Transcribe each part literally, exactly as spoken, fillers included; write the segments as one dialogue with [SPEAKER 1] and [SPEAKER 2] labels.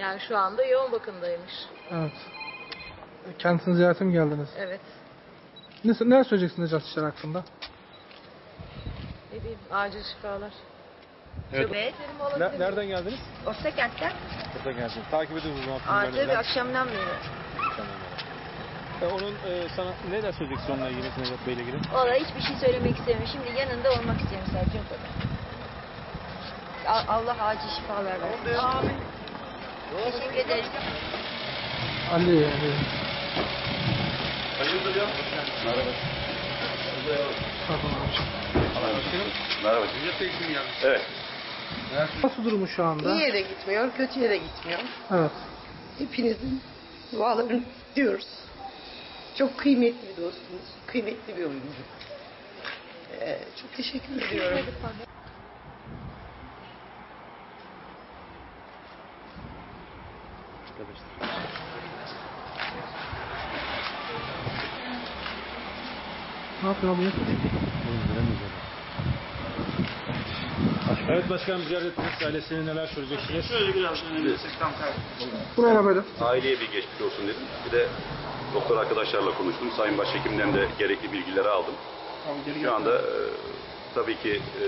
[SPEAKER 1] Yani şu anda yoğun bakımdaymış.
[SPEAKER 2] Evet. Kendisini ziyarete mi geldiniz?
[SPEAKER 1] Evet.
[SPEAKER 2] Ne, neler söyleyeceksiniz Necat İşler hakkında?
[SPEAKER 1] Ne diyeyim? Acil şifalar.
[SPEAKER 3] Evet.
[SPEAKER 4] Evet.
[SPEAKER 3] Ne- nereden geldiniz?
[SPEAKER 4] Ostakent'ten.
[SPEAKER 3] Buradan geldiniz. Takip ediyoruz o zaman.
[SPEAKER 4] Aa,
[SPEAKER 3] filmlerini
[SPEAKER 4] tabii
[SPEAKER 3] falan.
[SPEAKER 4] akşamdan beri.
[SPEAKER 3] Tamam. E, onun e, sana neler söyleyeceksin onunla ilgili, Necat Bey'le ilgili?
[SPEAKER 4] Vallahi hiçbir şey söylemek istemiyorum. Şimdi yanında olmak istiyorum sadece o kadar. A- Allah acil şifalar versin. Amin. Teşekkür ederim.
[SPEAKER 2] Ali, Ali.
[SPEAKER 5] Hayırdır ya? Merhaba.
[SPEAKER 2] Pardon abiciğim.
[SPEAKER 5] Merhaba. Necat Bey kim ya? Evet.
[SPEAKER 2] Nasıl durumu şu anda?
[SPEAKER 6] İyiye de gitmiyor, kötüye de gitmiyor.
[SPEAKER 2] Evet.
[SPEAKER 6] Hepinizin dualarını diyoruz. Çok kıymetli bir dostumuz, kıymetli bir oyuncu. Ee, çok teşekkür ediyorum.
[SPEAKER 2] Ne yapıyor abi?
[SPEAKER 3] Evet başkanım, ziyaret ettiniz. Ailesine neler söyleyeceksiniz?
[SPEAKER 5] Şöyle biraz önemlisek tam tersi.
[SPEAKER 2] Buraya böyle.
[SPEAKER 5] Aileye bir geçmiş olsun dedim. Bir de doktor arkadaşlarla konuştum. Sayın Başhekim'den de gerekli bilgileri aldım. Şu anda e, tabii ki e,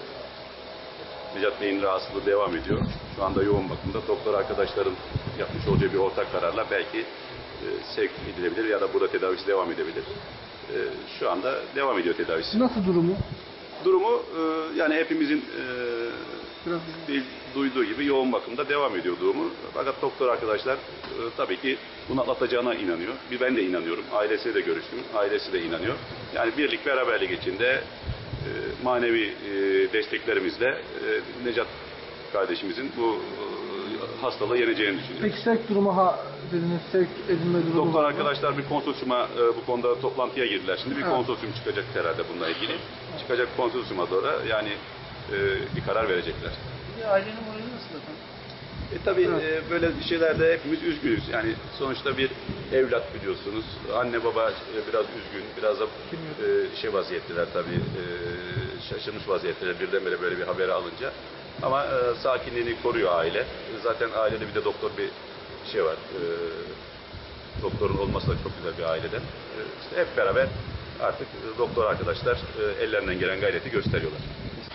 [SPEAKER 5] Necat Bey'in rahatsızlığı devam ediyor. Şu anda yoğun bakımda. Doktor arkadaşların yapmış olacağı bir ortak kararla belki e, sevk edilebilir ya da burada tedavisi devam edebilir. E, şu anda devam ediyor tedavisi.
[SPEAKER 2] Nasıl durumu?
[SPEAKER 5] Durumu e, yani hepimizin e,
[SPEAKER 2] Biraz
[SPEAKER 5] bir duyduğu gibi yoğun bakımda devam ediyor durumu. Fakat doktor arkadaşlar e, tabii ki bunu atlatacağına inanıyor. Bir ben de inanıyorum. Ailesiyle de görüştüm. Ailesi de inanıyor. Yani birlik beraberlik içinde e, manevi e, desteklerimizle e, Necat kardeşimizin bu e, hastalığı yeneceğini düşünüyorum.
[SPEAKER 2] Peki sevk durumu ha dediniz, sevk edilme durumu
[SPEAKER 5] Doktor
[SPEAKER 2] var mı?
[SPEAKER 5] arkadaşlar bir konsorsiyuma e, bu konuda toplantıya girdiler. Şimdi bir
[SPEAKER 2] Evet.
[SPEAKER 5] konsorsiyum çıkacak herhalde bununla ilgili. Çıkacak konsorsiyuma doğru yani e, bir karar verecekler.
[SPEAKER 6] Ailenin morali nasıl efendim?
[SPEAKER 5] E tabii
[SPEAKER 2] Evet.
[SPEAKER 5] e, böyle şeylerde hepimiz üzgünüz. Yani sonuçta bir evlat biliyorsunuz. Anne baba e, biraz üzgün, biraz da e, şey vaziyetteler tabii. E, şaşırmış vaziyetteler birdenbire böyle bir haberi alınca. Ama e, sakinliğini koruyor aile. Zaten ailede bir de doktor bir şey var. E, doktorun olması da çok güzel bir aileden. E, işte hep beraber artık e, doktor arkadaşlar e, ellerinden gelen gayreti gösteriyorlar.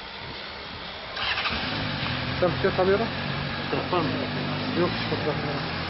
[SPEAKER 2] Sen bir şey tanıyorum. Yok, hiç fotoğrafını.